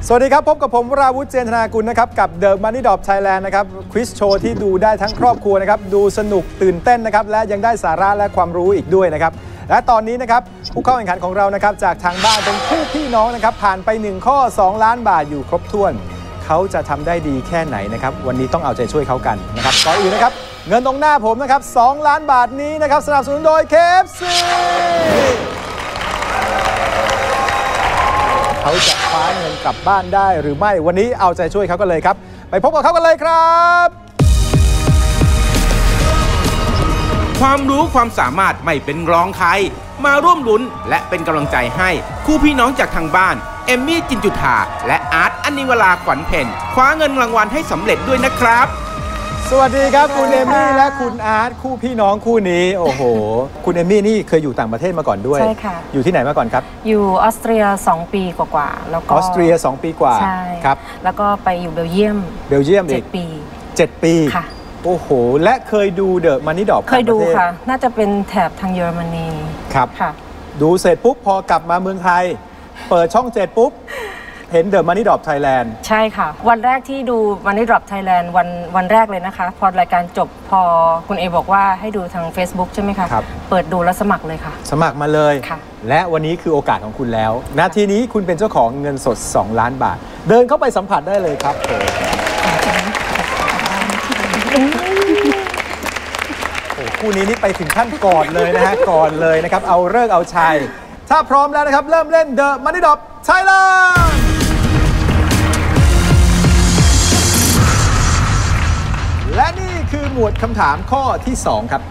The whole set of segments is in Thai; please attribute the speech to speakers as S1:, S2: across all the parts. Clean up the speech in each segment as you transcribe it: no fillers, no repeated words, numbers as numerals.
S1: สวัสดีครับพบกับผมวราวุฒิ เจนธนากุลนะครับกับ The Money Drop Thailand นะครับควิสโชว์ที่ดูได้ทั้งครอบครัวนะครับดูสนุกตื่นเต้นนะครับและยังได้สาระและความรู้อีกด้วยนะครับและตอนนี้นะครับผู้เข้าแข่งขันของเรานะครับจากทางบ้านเป็นคู่พี่น้องนะครับผ่านไป1ข้อ2ล้านบาทอยู่ครบถ้วนเขาจะทำได้ดีแค่ไหนนะครับวันนี้ต้องเอาใจช่วยเขากันนะครับก่อนอื่นนะครับเงินตรงหน้าผมนะครับ2ล้านบาทนี้นะครับสนับสนุนโดย KFC เขาจะคว้าเงินกลับบ้านได้หรือไม่วันนี้เอาใจช่วยเขากันเลยครับไปพบกับเขากันเลยครับ
S2: ความรู้ความสามารถไม่เป็นรองใครมาร่วมลุ้นและเป็นกำลังใจให้คู่พี่น้องจากทางบ้านเอมมี่จินจุธาและอาร์ตอนิวราขวัญเพ็ญคว้าเงินรางวัลให้สำเร็จด้วยนะครับ
S1: สวัสดีครับคุณเอมมี่และคุณอาร์ตคู่พี่น้องคู่นี้โอ้โหคุณเอมมี่นี่เคยอยู่ต่างประเทศมาก่อนด้วย
S3: ใช่ค่ะ
S1: อยู่ที่ไหนมาก่อนครับ
S3: อยู่ออสเตรีย2 ปีกว่าๆแล้วก็
S1: ออสเตรีย2 ปีกว่า
S3: ใช่
S1: ครับ
S3: แล้วก็ไปอยู่เบลเยียม
S1: อีก
S3: 7 ปี
S1: 7 ปี
S3: ค่ะ
S1: โอ้โหและเคยดูเดอะมันนี่ดรอป
S3: เคยดูค่ะน่าจะเป็นแถบทางเยอรมนี
S1: ครับ
S3: ค่ะ
S1: ดูเสร็จปุ๊บพอกลับมาเมืองไทยเปิดช่อง7ปุ๊บเห็น The Money Drop Thailand
S3: ใช่ค่ะวันแรกที่ดู Money Drop Thailand วันแรกเลยนะคะพอรายการจบพอคุณเอบอกว่าให้ดูทาง Facebook ใช่ไหมคะ
S1: ครับ
S3: เปิดดูแล้วสมัครเลยค่ะ
S1: สมัครมาเลย
S3: ค่ะ
S1: และวันนี้คือโอกาสของคุณแล้วนาทีนี้คุณเป็นเจ้าของเงินสด2ล้านบาทเดินเข้าไปสัมผัสได้เลยครับคู่นี้นี่ไปถึงขั้นก่อนเลยนะฮะก่อนเลยนะครับเอาเลิกเอาชัยถ้าพร้อมแล้วนะครับเริ่มเล่น The Money Drop Thailand และนี่คือหมวดคำถามข้อที่2ครับ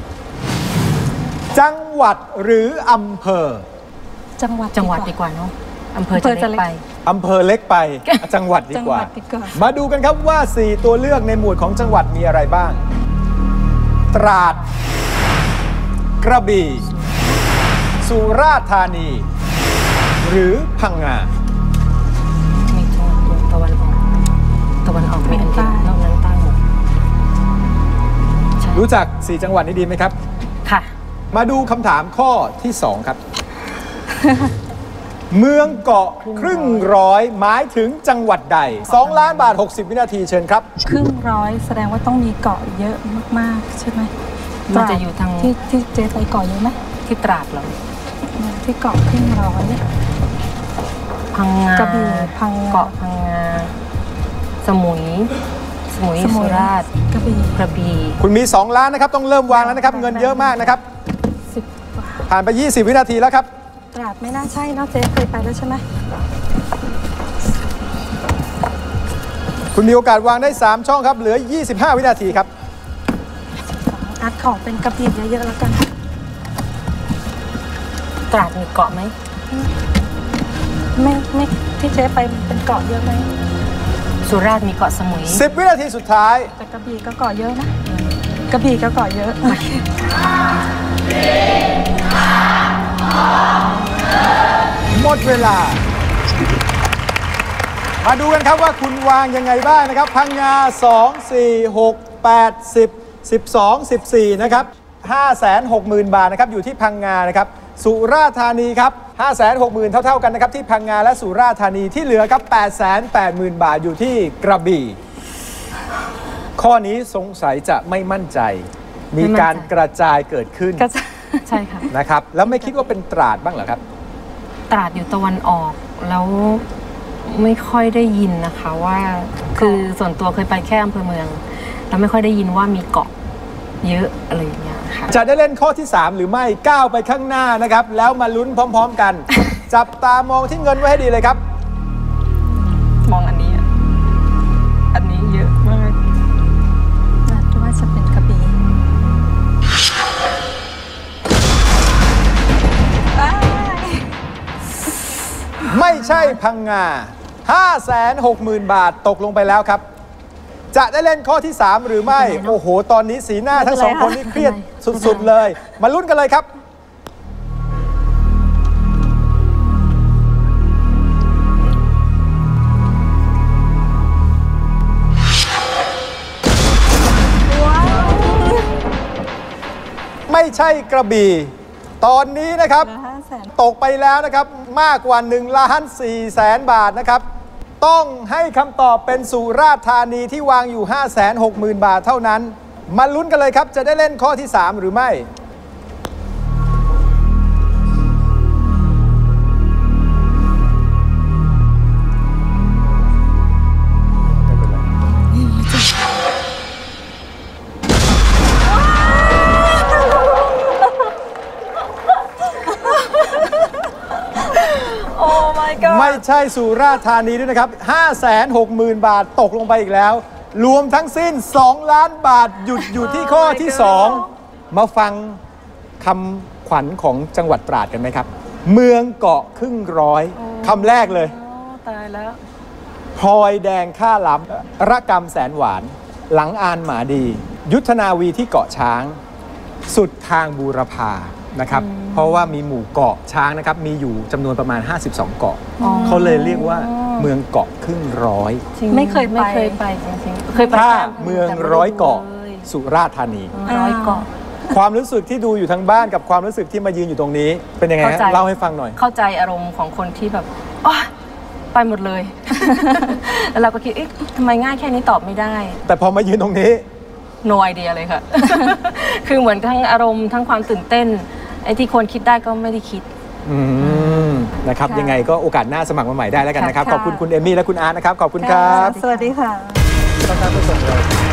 S1: จังหวัดหรืออำเภอ
S3: จังหวัดดีกว่าเนาะอำเภอจะเล็กไป
S1: อำเภอเล็กไปจังหวัดดีกว่ามาดูกันครับว่า4ตัวเลือกในหมวดของจังหวัดมีอะไรบ้างตราดกระบี่สุราษฎร์ธานีหรือพังงา
S3: มีจังหวัดตะวันออกมีอันเดียวนอกนั้นใต้หมด
S1: รู้จัก4จังหวัดนี้ดีไหมครับ
S3: ค่ะ
S1: มาดูคำถามข้อที่2ครับ เมืองเกาะครึ่งร้อยหมายถึงจังหวัดใด2ล้านบาท60วินาทีเชิญครับ
S4: ครึ่งร้อยแสดงว่าต้องมีเกาะเยอะมากๆใช่ไหม
S3: มันจะอยู่ทาง
S4: ที่เจ๊ไปเกาะเยอะไหม
S3: ที่ตราดเหรอ
S4: ที่เกาะครึ่งร้อย
S3: พังงาก
S4: ระบี่
S3: เกาะพังงาสมุยสุราษฎร์
S4: กระ
S3: บี่
S1: คุณมี2ล้านนะครับต้องเริ่มวางแล้วนะครับเงินเยอะมากนะครับผ่านไป20วินาทีแล้วครับ
S4: ตราดไม่น่าใช่เนาะเจ๊เคยไปแล้วใช่ไหม
S1: คุณมีโอกาสวางได้3ช่องครับเหลือ25วินาทีครับ
S4: อาร์ตขอเป็นกระบี่เยอะๆแล้วกัน
S3: ตราดมีเกาะไหม
S4: ไม่ที่เจ๊ไปเป็นเกาะเยอะไหม
S3: สุราษฎร์มีเกาะสมุย
S1: 10วินาทีสุดท้าย
S4: แต่กระบี่ก็เกาะเยอะนะกระบี่ก็เกาะเยอะ
S1: หมดเวลามาดูกันครับว่าคุณวางยังไงบ้างนะครับพังงา2 4 6 8 10 12 14นะครับ560,000 บาทนะครับอยู่ที่พังงานะครับสุราษฎร์ธานีครับ560,000เท่าๆกันนะครับที่พังงาและสุราษฎร์ธานีที่เหลือครับ880,000 บาทอยู่ที่กระบี่ข้อนี้สงสัยจะไม่มั่นใจมีการกระจายเกิดขึ้น
S3: ใช่ค่ะ
S1: นะครับแล้วไม่คิดว่าเป็นตราดบ้างเหรอครับ
S3: ตราดอยู่ตะวันออกแล้วไม่ค่อยได้ยินนะคะว่าคือส่วนตัวเคยไปแค่อำเภอเมืองแล้วไม่ค่อยได้ยินว่ามีเกาะเยอะอะไรอย่างเงี้ยค่ะ
S1: จะได้เล่นข้อที่3หรือไม่ก้าวไปข้างหน้านะครับแล้วมาลุ้นพร้อมๆกันจับตามองที่เงินไว้ให้ดีเลยครับ
S3: มองอันนี้เยอะมาก
S4: น่าจะว่าจะเป็นกระบี่
S1: ไม่ใช่พังงา560,000 บาทตกลงไปแล้วครับจะได้เล่นข้อที่3หรือไม่โอ้โหตอนนี้สีหน้าทั้ง2คนนี่เครียดสุดๆเลยมาลุ้นกันเลยครับไม่ใช่กระบี่ตอนนี้นะครับตกไปแล้วนะครับมากกว่า1.4 ล้านบาทนะครับต้องให้คำตอบเป็นสุราษฎร์ธานีที่วางอยู่ 560,000 บาทเท่านั้น มาลุ้นกันเลยครับ จะได้เล่นข้อที่ 3 หรือไม่
S4: โอ้ my god
S1: ไม่ใช่สุราษฎร์ธานีด้วยนะครับ 560,000 บาทตกลงไปอีกแล้ว รวมทั้งสิ้น 2 ล้านบาทหยุดอยู่ที่ข้อที่ 2 มาฟังคำขวัญของจังหวัดตราดกันไหมครับ เมืองเกาะครึ่งร้อยคำแรกเลย
S4: โอ้ตายแล้ว
S1: พลอยแดงข้าล้ำระกำแสนหวาน หลังอานหมาดี ยุทธนาวีที่เกาะช้าง สุดทางบูรพานะครับ เพราะว่ามีหมู่เกาะช้างนะครับ มีอยู่จำนวนประมาณ 52 เกาะ เขาเลยเรียกว่าเมืองเกาะครึ่งร้อย
S3: จริง
S4: ไม่เคยไป
S3: ไม่เคยไปจริงๆเคยไป
S1: ถ้า
S3: แค่
S1: เมืองร้อยเกาะสุราษฎร์ธานี
S3: ร้อยเกาะ
S1: ความรู้สึกที่ดูอยู่ทางบ้านกับความรู้สึกที่มายืนอยู่ตรงนี้ เป็นยังไงฮะ
S3: เข้าใจ
S1: เล่าให้ฟังหน่อย
S3: เข้าใจอารมณ์ของคนที่แบบโอ๊ยไปหมดเลย แล้วเราก็คิดเอ๊ะทำไมง่ายแค่นี้ตอบไม่ได้
S1: แต่พอมายืนตรงนี้
S3: no idea เลยค่ะ คือเหมือนทั้งอารมณ์ทั้งความตื่นเต้น ไอ้ที่ควรคิดได้ก็ไม่ได้คิด
S1: นะครับ
S4: ค่ะ
S1: ยังไงก็โอกาสหน้าสมัครมาใหม่ได้แล้วกันนะครับ
S4: ค่ะ
S1: ขอบคุณคุณเอมมี่และคุณอาร์ตนะครับ ขอบคุณครับ
S4: สวัสดีค่ะ
S1: ต้องการผู้ส่งเรา